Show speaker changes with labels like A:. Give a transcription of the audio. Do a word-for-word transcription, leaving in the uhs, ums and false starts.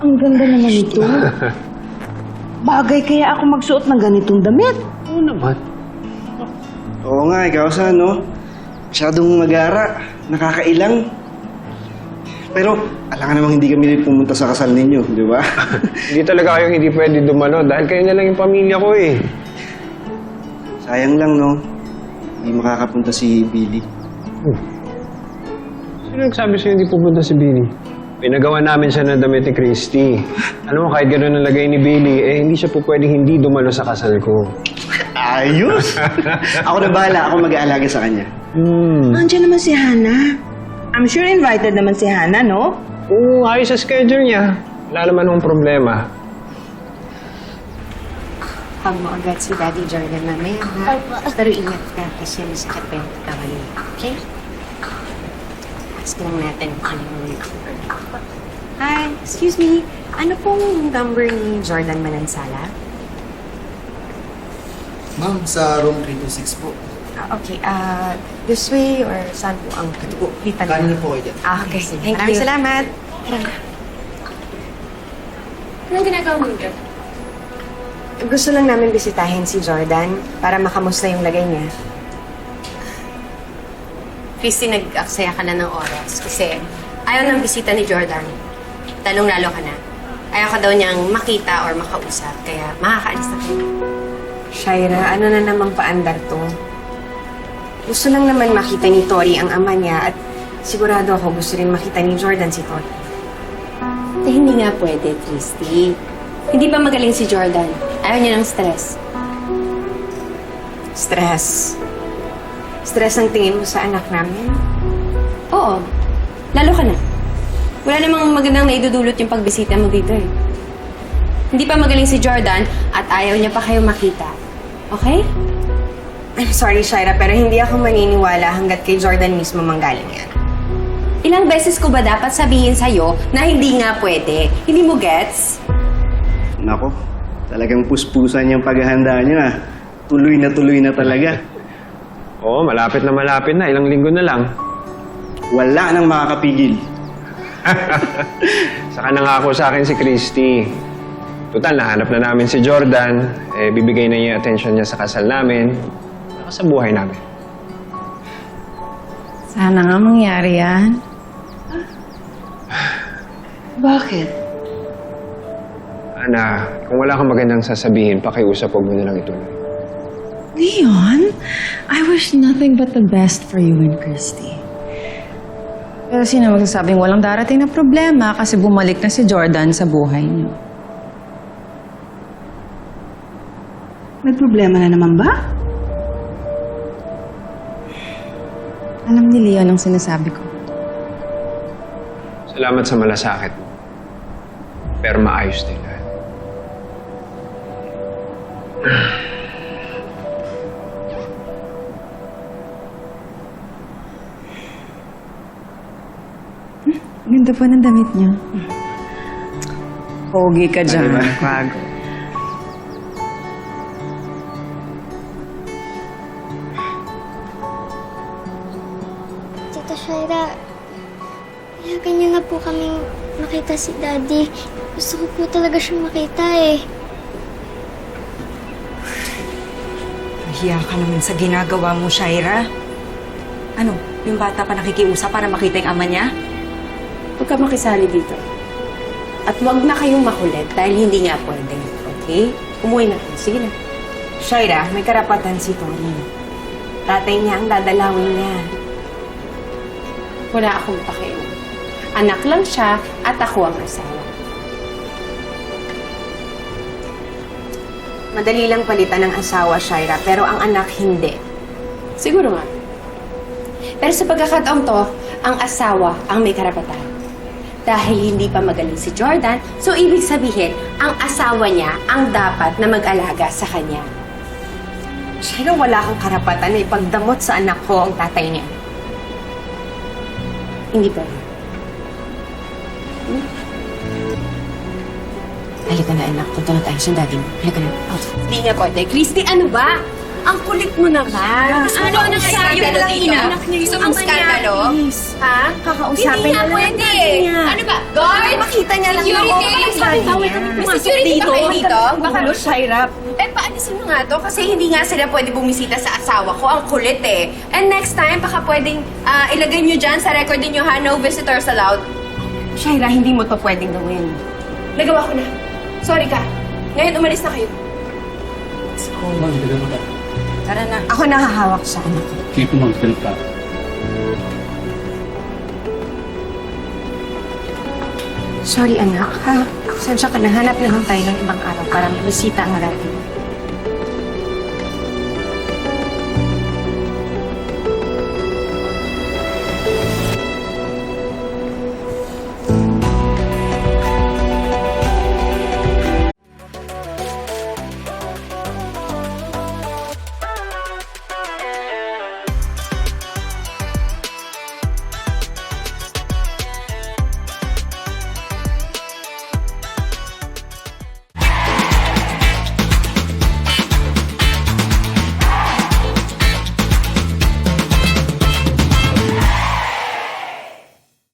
A: Ang ganda naman ito. Bagay kaya ako magsuot ng ganitong damit.
B: Oo naman.
C: Oo nga, ikaw sa no? Masyadong magara, nakakailang. Pero, alam ka namang hindi kami pumunta sa kasal ninyo, di ba?
B: Hindi talaga kayong hindi pwede dumano dahil kayo na lang yung pamilya ko eh.
C: Sayang lang, no? Hindi makakapunta si Billy.
B: Hmm. Sino nagsabi sa'yo hindi pupunta si Billy? Pinagawa namin siya ng damit ni Christy. Ano mo, kahit gano'n ang lagay ni Billy, eh hindi siya po pwedeng hindi dumalo sa kasal ko.
C: Ayos! Ako na bahala, ako mag-aalaga sa kanya.
B: Hmm.
A: Andiyan naman si Hana. I'm sure invited naman si Hana, no?
B: Oo, ayos sa schedule niya. Wala naman akong problema.
D: Huwag mo agad si Daddy Jordan mamaya, ha? Pero ingat ka kasi masakit pa yung kawali. Okay? Ask lang natin kung ano yung number. Hi, excuse me. Ano pong number ni Jordan Manansala?
E: Ma'am, sa room three two six po.
D: Ah, okay, ah, this way or saan po ang lipan
E: Kanin niyo po kayo dyan.
D: Ah, okay.
F: Thank
D: Maraming
F: you.
D: salamat.
F: Anong ginagawa mo dyan?
D: Gusto lang namin bisitahin si Jordan para makamusta yung lagay niya.
F: Christy, nag-aksaya ka na ng oras kasi ayaw ng bisita ni Jordan. Talong-lalo ka na. Ayaw ka daw niyang makita or makausap, kaya makakaalis na kayo.
D: Shaira, ano na namang paandar to? Gusto lang naman makita ni Tori ang ama niya at sigurado ako gusto rin makita ni Jordan si Tori.
F: Eh, hindi nga pwede, Christy. Hindi pa magaling si Jordan. Ayaw niya ng stress.
D: Stress. Stress ang tingin mo sa anak namin?
F: Oo. Lalo ka na. Wala namang magandang naidudulot yung pagbisita mo dito eh. Hindi pa magaling si Jordan at ayaw niya pa kayo makita. Okay?
D: I'm sorry, Shaira, pero hindi ako maniniwala hanggat kay Jordan mismo manggaling yan.
F: Ilang beses ko ba dapat sabihin sa'yo na hindi nga pwede? Hindi mo gets?
C: Nako, talagang puspusan yung paghahanda niyo, ah. Tuloy na tuloy na talaga.
B: Oo, malapit na malapit na. Ilang linggo na lang.
C: Wala nang makakapigil.
B: Saka nangako sa akin si Christy. Total, nahanap na namin si Jordan. Eh, bibigay na niya yung attention niya sa kasal namin. Saka sa buhay namin.
G: Sana nga mangyari yan.
A: Bakit?
B: Ana, kung wala kang magandang sasabihin, pakiusap, huwag mo na lang ituloy.
G: Leon, I wish nothing but the best for you and Christy. Pero sino magsasabing walang darating na problema kasi bumalik na si Jordan sa buhay niyo?
A: May problema na naman ba?
G: Alam ni Leon ang sinasabi ko.
B: Salamat sa malasakit mo. Pero maayos din lahat.
G: Ganda po ng damit niyo. Pogi ka dyan,
C: Ano ba?
G: Kwago.
H: Tita Shaira, ilagan niyo na po kaming makita si Daddy. Gusto ko po talaga siyang makita eh.
D: Mahiya ka naman sa ginagawa mo, Shaira. Ano, yung bata pa nakikiusap para makita yung ama niya?
F: Huwag ka makisali dito. At huwag na kayong makulit dahil hindi nga pwede. Okay? Umuwi na kayo. Sige na.
D: Shaira, may karapatan si Tori. Tatay niya ang dadalawin niya.
F: Wala akong pakialam. Anak lang siya at ako ang asawa.
D: Madali lang palitan ng asawa, Shaira, pero ang anak hindi.
F: Siguro nga. Pero sa pagkakataon to, ang asawa ang may karapatan. Dahil hindi pa magaling si Jordan, so ibig sabihin, ang asawa niya ang dapat na mag-alaga sa kanya.
D: Shaira, wala kang karapatan na ipagdamot sa anak ko ang tatay niya.
F: Hindi ba?
D: Halika na, anak. Punta na tayo sa daddy mo. Halika na.
F: Hindi nga pwede. Christy, ano ba? Ang kulit mo naman. Ano ang skandalo dito? Gusto mong skandalo? Ha?
D: Kakausapin
F: Hindi nga
D: na lang
F: pwede.
D: natin niya.
F: Ano ba? Guard!
D: Makita
F: nga lang
D: Security!
F: ako. Bakit sabi bawal kami
D: May
F: pumasok
D: security
F: dito?
D: ba kayo dito?
F: Baka
A: Ano, Shaira?
F: Eh, paalisin mo nga to kasi hindi nga sila pwede bumisita sa asawa ko. Ang kulit eh. And next time, baka pwedeng ah, ilagay nyo dyan sa record ninyo ha, no visitors allowed. Shaira, hindi mo to pwedeng gawin. Nagawa ko na. Sorry ka. Ngayon, umalis na kayo.
E: Oo, ma'am. Ganun ka.
D: Tara na. Ako nakahawak sa anak.
E: Sige po, ma'am. Ganun ka.
D: Sorry, anak, ha? Sensya ka na. Hanap na lang tayo ng ibang araw para mabisita ang natin.